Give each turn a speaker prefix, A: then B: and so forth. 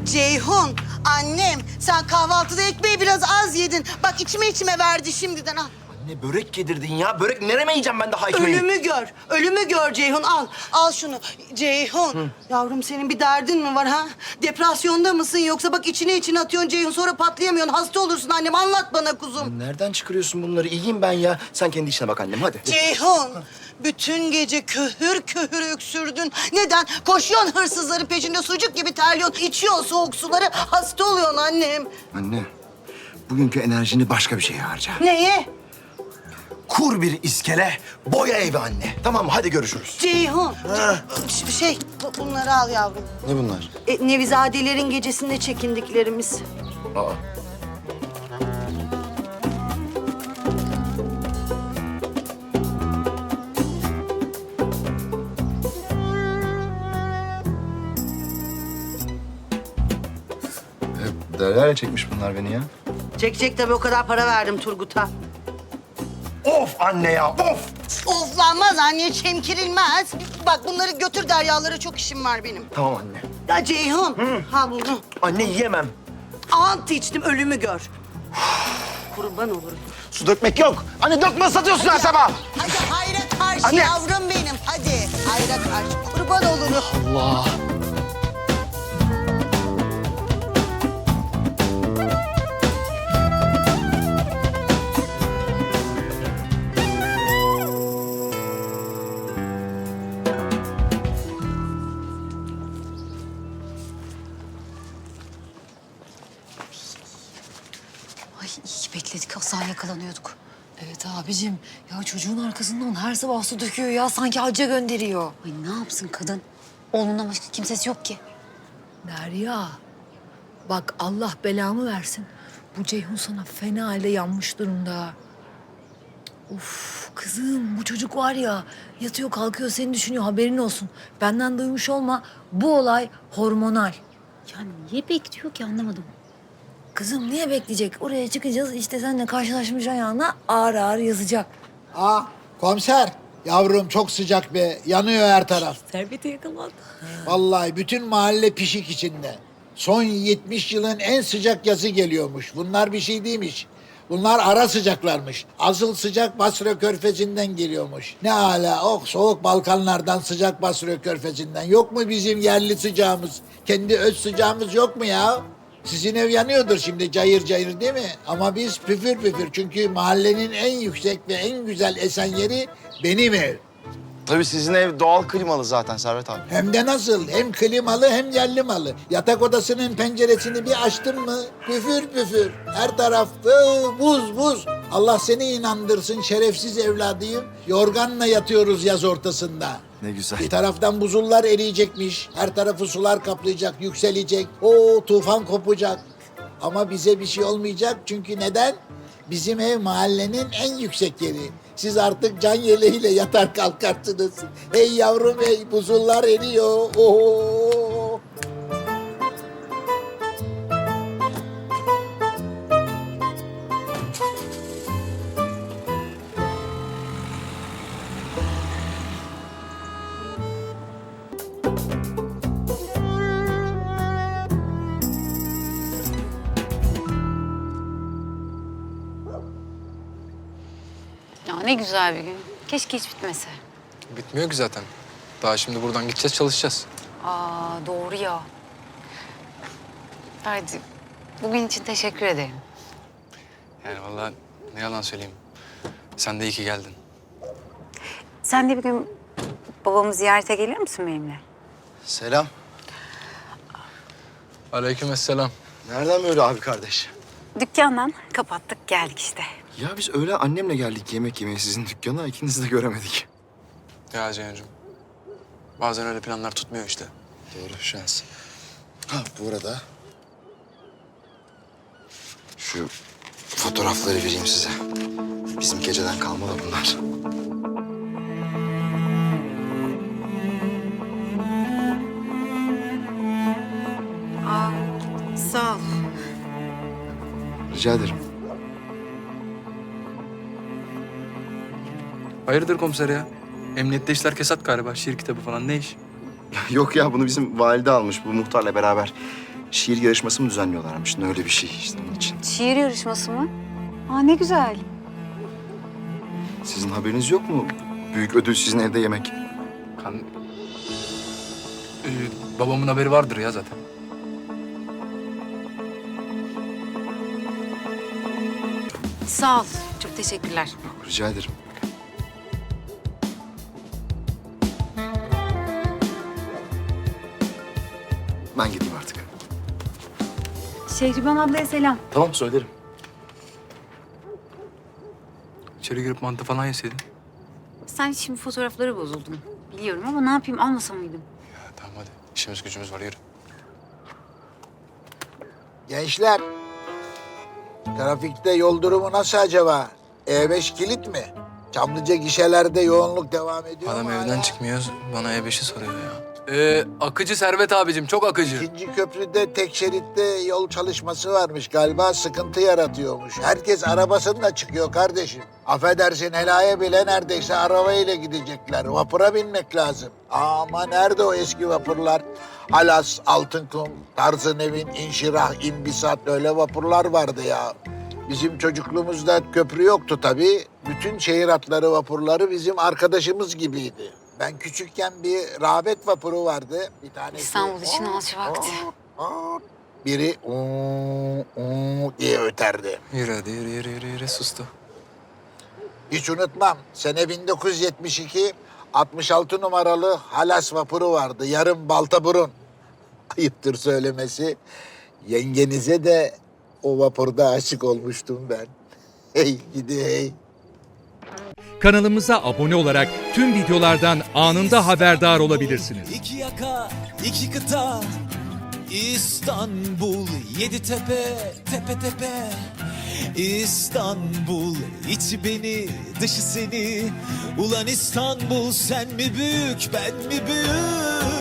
A: Ceyhun, annem sen kahvaltıda ekmeği biraz az yedin. Bak içime verdi şimdiden al.
B: Anne börek yedirdin ya. Börek nereme yiyeceğim ben daha ekmeği?
A: Ölümü gör Ceyhun al. Al şunu. Ceyhun, yavrum senin bir derdin mi var ha? Depresyonda mısın yoksa bak içine atıyorsun Ceyhun sonra patlayamıyorsun. Hasta olursun annem anlat bana kuzum.
B: Nereden çıkarıyorsun bunları? İyiyim ben ya. Sen kendi işine bak annem hadi.
A: Ceyhun, bütün gece köhür öksürdün. Neden? Koşuyorsun hırsızların peşinde sucuk gibi terliyorsun. İçiyorsun soğuk suları, hasta oluyorsun annem.
B: Anne, bugünkü enerjini başka bir şeye harca.
A: Neye?
B: Kur bir iskele, boya evi anne. Tamam mı? Hadi görüşürüz.
A: Ceyhun, bunları al yavrum.
B: Ne bunlar?
A: Nevizadelerin gecesinde çekindiklerimiz.
B: Aa. Derya'ya çekmiş bunlar beni ya.
A: Çekecek tabii o kadar para verdim Turgut'a.
B: Of anne ya, of!
A: Oflanmaz anne, çemkirilmez. Bak bunları götür Deryalara, çok işim var benim.
B: Tamam anne.
A: Ya Ceyhun, ha bunu.
B: Anne yiyemem.
A: Ant içtim, ölümü gör. Kurban olurum.
B: Su dökmek yok. Anne dökme satıyorsun her sabah.
A: Hadi hayra karşı
B: Anne.
A: yavrum benim, hadi. Hayra karşı, kurban olurum.
B: Allah.
C: Ay iyi ki bekledik. Asla yakalanıyorduk. Evet abicim. Ya çocuğun arkasından her sabah su döküyor ya. Sanki hacca gönderiyor. Ay ne yapsın kadın? Oğlundan başka kimsesi yok ki.
D: Derya, bak Allah belamı versin. Bu Ceyhun sana fena halde yanmış durumda. Uf kızım bu çocuk var ya yatıyor kalkıyor seni düşünüyor haberin olsun. Benden duymuş olma bu olay hormonal.
C: Ya niye bekliyor ki anlamadım.
D: Kızım niye bekleyecek? Oraya çıkacağız işte seninle karşılaşmış ayağına ağır ağır yazacak.
E: Aa, komiser. Yavrum çok sıcak be. Yanıyor her taraf.
D: Serveti yakalandı.
E: Vallahi bütün mahalle pişik içinde. Son 70 yılın en sıcak yazı geliyormuş. Bunlar bir şey değilmiş. Bunlar ara sıcaklarmış. Asıl sıcak Basra Körfezi'nden geliyormuş. Ne hala soğuk Balkanlardan sıcak Basra Körfezi'nden. Yok mu bizim yerli sıcağımız? Kendi öz sıcağımız yok mu ya? Sizin ev yanıyordur şimdi cayır cayır değil mi? Ama biz püfür püfür. Çünkü mahallenin en yüksek ve en güzel esen yeri benim ev.
B: Tabii sizin ev doğal klimalı zaten Servet abi.
E: Hem de nasıl? Hem klimalı hem yerli malı. Yatak odasının penceresini bir açtın mı püfür püfür. Her tarafta buz buz. Allah seni inandırsın şerefsiz evladıyım. Yorganla yatıyoruz yaz ortasında.
B: Ne güzel.
E: Bir taraftan buzullar eriyecekmiş. Her tarafı sular kaplayacak, yükselecek. O tufan kopacak. Ama bize bir şey olmayacak çünkü neden? Bizim ev mahallenin en yüksek yeri. Siz artık can yeleğiyle yatar kalkarsınız. Hey yavrum hey buzullar eriyor. Oo.
C: Ya ne güzel bir gün. Keşke hiç bitmese.
F: Bitmiyor ki zaten. Daha şimdi buradan gideceğiz, çalışacağız.
C: Aa doğru ya. Ferdi, bugün için teşekkür ederim.
F: Yani vallahi ne yalan söyleyeyim. Sen de iyi ki geldin.
C: Sen de bir gün babamı ziyarete gelir misin benimle?
B: Selam.
F: Aleykümselam.
B: Nereden böyle abi kardeş?
C: Dükkandan kapattık geldik işte.
B: Ya biz öyle annemle geldik yemek yemeye sizin dükkana. İkinizi de göremedik.
F: Ya Ceyhun'cum. Bazen öyle planlar tutmuyor işte.
B: Doğru şans. Ha bu arada... Şu fotoğrafları vereyim size. Bizim geceden kalma da bunlar.
C: Sağ ol.
B: Rica ederim.
F: Hayırdır komiser ya? Emniyette işler kesat galiba. Şiir kitabı falan ne iş?
B: Yok ya bunu bizim valide almış bu muhtarla beraber. şiir yarışması mı düzenliyorlarmış? Ne öyle bir şey işte onun için.
C: Şiir yarışması mı? Aa ne güzel.
B: Sizin haberiniz yok mu? Büyük ödül sizin evde yemek.
F: Babamın haberi vardır ya zaten.
C: Sağ ol. Çok teşekkürler.
B: Rica ederim. Ben gideyim artık.
C: Şehriban ablaya selam.
B: Tamam, söylerim.
F: İçeri girip mantı falan yeseydin.
C: Sen şimdi fotoğrafları bozuldun. Biliyorum ama ne yapayım almasa mıydım?
F: Ya tamam hadi. İşimiz gücümüz var, yürü.
E: Gençler, trafikte yol durumu nasıl acaba? E5 kilit mi? Çamlıca gişelerde yoğunluk devam ediyor
F: Adam
E: mu
F: evden
E: hala?
F: çıkmıyor, bana E5'i soruyor ya. Akıcı Servet abicim, çok akıcı.
E: İkinci köprüde tek şeritte yol çalışması varmış galiba, sıkıntı yaratıyormuş. Herkes arabasıyla çıkıyor kardeşim. Affedersin, helaya bile neredeyse arabayla gidecekler. Vapura binmek lazım. Ama nerede o eski vapurlar? Alas, Altınkum, Tarzınevin, İnşirah, İmbisat öyle vapurlar vardı ya. Bizim çocukluğumuzda köprü yoktu tabii. Bütün şehir hatları vapurları bizim arkadaşımız gibiydi. Ben küçükken bir rağbet vapuru vardı. Bir tanesi...
C: İstanbul için alçı vakti.
E: Biri diye öterdi.
F: Yürü hadi, yürü, sustu.
E: Hiç unutmam. Sene 1972, 66 numaralı Halas vapuru vardı. Yarım balta burun. Ayıptır söylemesi. Yengenize de o vapurda aşık olmuştum ben. Hey gidi hey.
G: Kanalımıza abone olarak tüm videolardan anında haberdar olabilirsiniz.
H: İki yaka, iki kıta, İstanbul, yedi tepe, tepe tepe. İstanbul, içi beni, dışı seni. Ulan İstanbul, sen mi büyük, ben mi büyük?